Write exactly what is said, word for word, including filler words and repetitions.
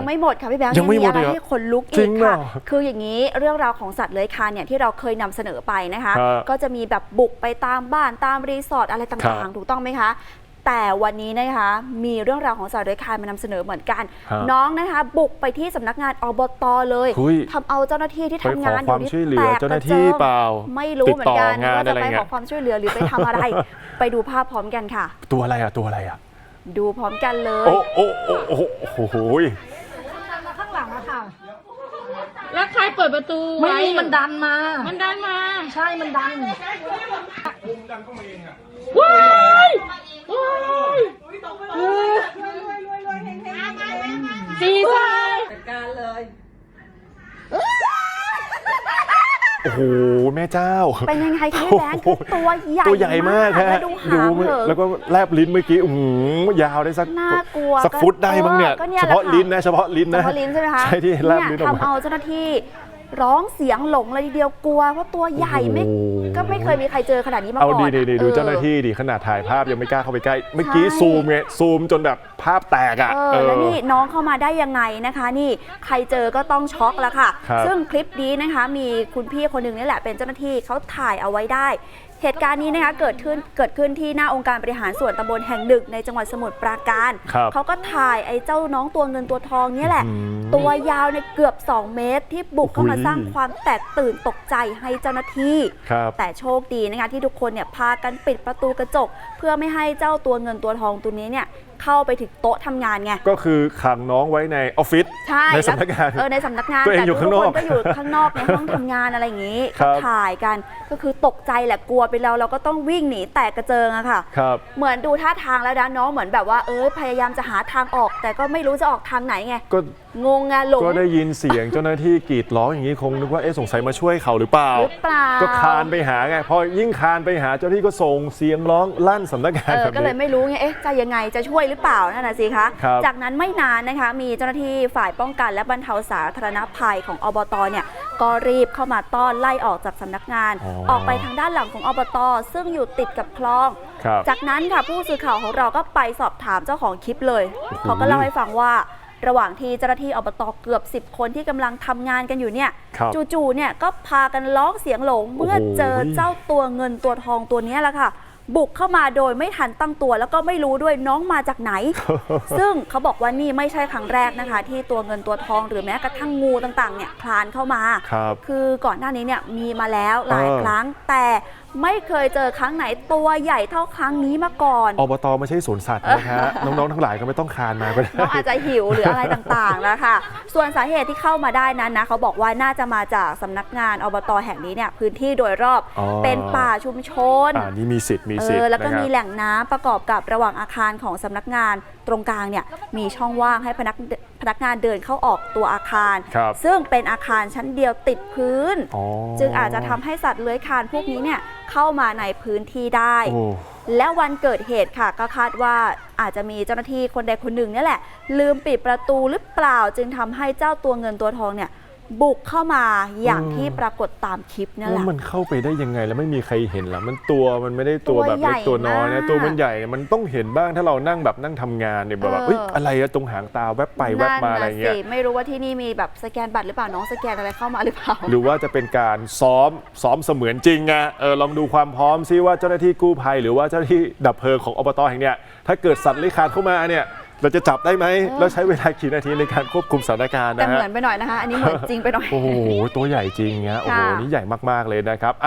ไม่หมดค่ะพี่แบงค์ยังไม่หมดเลยอะไรให้คนลุกอีกค่ะคืออย่างนี้เรื่องราวของสัตว์เลื้อยคลานเนี่ยที่เราเคยนำเสนอไปนะคะก็จะมีแบบบุกไปตามบ้านตามรีสอร์ทอะไรต่างๆถูกต้องไหมคะแต่วันนี้นะคะมีเรื่องราวของสัตว์เลื้อยคลานมานำเสนอเหมือนกันน้องนะคะบุกไปที่สำนักงานอบตเลยทำเอาเจ้าหน้าที่ที่ทำงานอยู่นี่แตกกระเจิงไม่รู้เหมือนกันว่าจะไปขอความช่วยเหลือหรือไปทำอะไรไปดูภาพพร้อมกันค่ะตัวอะไรอะตัวอะไรอะดูพร้อมกันเลยโอ้โอ้โอ้โอ้โหมาข้างหลังอะค่ะแล้วใครเปิดประตูไม่มีมันดันมามันดันมาใช่มันดันว้ายว้ายดีใจจัดการเลยโอ้โหแม่เจ้าเป็นยังไงคะพี่แบงค์ตัวใหญ่ตัวใหญ่มากฮะดูแล้วก็แลบลิ้นเมื่อกี้โอ้โหยาวได้สักน่ากลัวสักฟุตได้มั้งเนี่ยเฉพาะลิ้นนะเฉพาะลิ้นนะเฉพาะลิ้นใช่ไหมคะใช่ที่แลบลิ้นออกมาทำเอาเจ้าหน้าที่ร้องเสียงหลงเลยทีเดียวกลัวเพราะตัวใหญ่ไม่ก็ไม่เคยมีใครเจอขนาดนี้มาก่อนเอาดีๆดูเจ้าหน้าที่ดิขนาดถ่ายภาพยังไม่กล้าเข้าไปใกล้เมื่อกี้ซูมไงซูมจนแบบภาพแตกอ่ะเออแล้วนี่น้องเข้ามาได้ยังไงนะคะนี่ใครเจอก็ต้องช็อกแล้วค่ะซึ่งคลิปนี้นะคะมีคุณพี่คนหนึ่งนี่แหละเป็นเจ้าหน้าที่เขาถ่ายเอาไว้ได้เหตุการณ์นี้นะคะเกิดขึ้นเกิดขึ้นที่หน้าองค์การบริหารส่วนตำบลแห่งหนึ่งในจังหวัดสมุทรปราการเขาก็ถ่ายไอ้เจ้าน้องตัวเงินตัวทองนี่แหละตัวยาวในเกือบสองเมตรที่บุกเข้ามาสร้างความแตกตื่นตกใจให้เจ้าหน้าที่แต่โชคดีนะคะที่ทุกคนเนี่ยพากันปิดประตูกระจกเพื่อไม่ให้เจ้าตัวเงินตัวทองตัวนี้เนี่ยเข้าไปถึงโต๊ะทำงานไงก็คือขังน้องไว้ในออฟฟิศในสำนักงานเออในสำนักงานแต่ทุกคนก็อยู่ข้างนอกในห้องทำงานอะไรอย่างนี้ถ่ายกันก็คือตกใจแหละกลัวไปแล้วเราก็ต้องวิ่งหนีแตกกระเจิงอะค่ะเหมือนดูท่าทางแล้วนะน้องเหมือนแบบว่าเออพยายามจะหาทางออกแต่ก็ไม่รู้จะออกทางไหนไงงงไงหลงก็ได้ยินเสียงเจ้าหน้าที่กรีดร้องอย่างนี้คงนึกว่าเอ๊ะสงสัยมาช่วยเขาหรือเปล่าก็คานไปหาไงพอยิ่งคานไปหาเจ้าหน้าที่ก็ส่งเสียงร้องลั่นสำนักงานแบบนี้ก็เลยไม่รู้ไงเอ๊ะจะยังไงจะช่วยหรือเปล่านั่นน่ะสิคะจากนั้นไม่นานนะคะมีเจ้าหน้าที่ฝ่ายป้องกันและบรรเทาสาธารณภัยของอบตเนี่ยก็รีบเข้ามาต้อนไล่ออกจากสำนักงานออกไปทางด้านหลังของอบตซึ่งอยู่ติดกับคลองจากนั้นค่ะผู้สื่อข่าวของเราก็ไปสอบถามเจ้าของคลิปเลยเขาก็เล่าให้ฟังว่าระหว่างที่เจ้าหน้าที่อบตเกือบสิบคนที่กำลังทำงานกันอยู่เนี่ยจู่ๆเนี่ยก็พากันร้องเสียงหลงเมื่อเจอเจ้าตัวเงินตัวทองตัวนี้แหละค่ะบุกเข้ามาโดยไม่ทันตั้งตัวแล้วก็ไม่รู้ด้วยน้องมาจากไหน ซึ่งเขาบอกว่านี่ไม่ใช่ครั้งแรกนะคะที่ตัวเงินตัวทองหรือแม้กระทั่งงูต่างๆเนี่ยคลานเข้ามาคือก่อนหน้านี้เนี่ยมีมาแล้วหลายครั้งแต่ไม่เคยเจอครั้งไหนตัวใหญ่เท่าครั้งนี้มาก่อนอบตไม่ใช่สวนสัตว์นะฮะ น้องๆทั้งหลายก็ไม่ต้องคลานมาก็ได้น้องอาจจะหิวหรืออะไรต่างๆแล้วค่ะส่วนสาเหตุที่เข้ามาได้นั้นนะเขาบอกว่าน่าจะมาจากสำนักงานอบตแห่งนี้เนี่ยพื้นที่โดยรอบเป็นป่าชุมชนอ่านี่มีสิทธิ์มีสิทธิ์แล้วก็มีแหล่งน้ำประกอบกับระหว่างอาคารของสำนักงานตรงกลางเนี่ยมีช่องว่างให้พนักพนักงานเดินเข้าออกตัวอาคารซึ่งเป็นอาคารชั้นเดียวติดพื้นจึงอาจจะทำให้สัตว์เลื้อยคลานพวกนี้เนี่ยเข้ามาในพื้นที่ได้และวันเกิดเหตุค่ะก็คาดว่าอาจจะมีเจ้าหน้าที่คนใดคนหนึ่งนี่แหละลืมปิดประตูหรือเปล่าจึงทำให้เจ้าตัวเงินตัวทองเนี่ยบุกเข้ามาอย่างที่ปรากฏตามคลิปนั่นแหละมันเข้าไปได้ยังไงแล้วไม่มีใครเห็นหรอมันตัวมันไม่ได้ตัวแบบเล็กตัวน้อยนะตัวมันใหญ่มันต้องเห็นบ้างถ้าเรานั่งแบบนั่งทำงานเนี่ยแบบเฮ้ยอะไรอะตรงหางตาแวบไปแวบมาอะไรเงี้ยไม่รู้ว่าที่นี่มีแบบสแกนบัตรหรือเปล่าน้องสแกนอะไรเข้ามาหรือเปล่าหรือว่าจะเป็นการซ้อมซ้อมเสมือนจริงอะเออลองดูความพร้อมซิว่าเจ้าหน้าที่กู้ภัยหรือว่าเจ้าหน้าที่ดับเพลิงของอบตแห่งเนี้ยถ้าเกิดสัตว์เลื้อยคลานเข้ามาเนี่ยเราจะจับได้ไหมแล้วใช้เวลากี่นาทีในการควบคุมสถานการณ์นะฮะแต่เหมือนไปหน่อยนะคะอันนี้เหมือนจริงไปหน่อยโอ้โหตัวใหญ่จริงเงี้ยโอ้โหนี่ใหญ่มากๆเลยนะครับ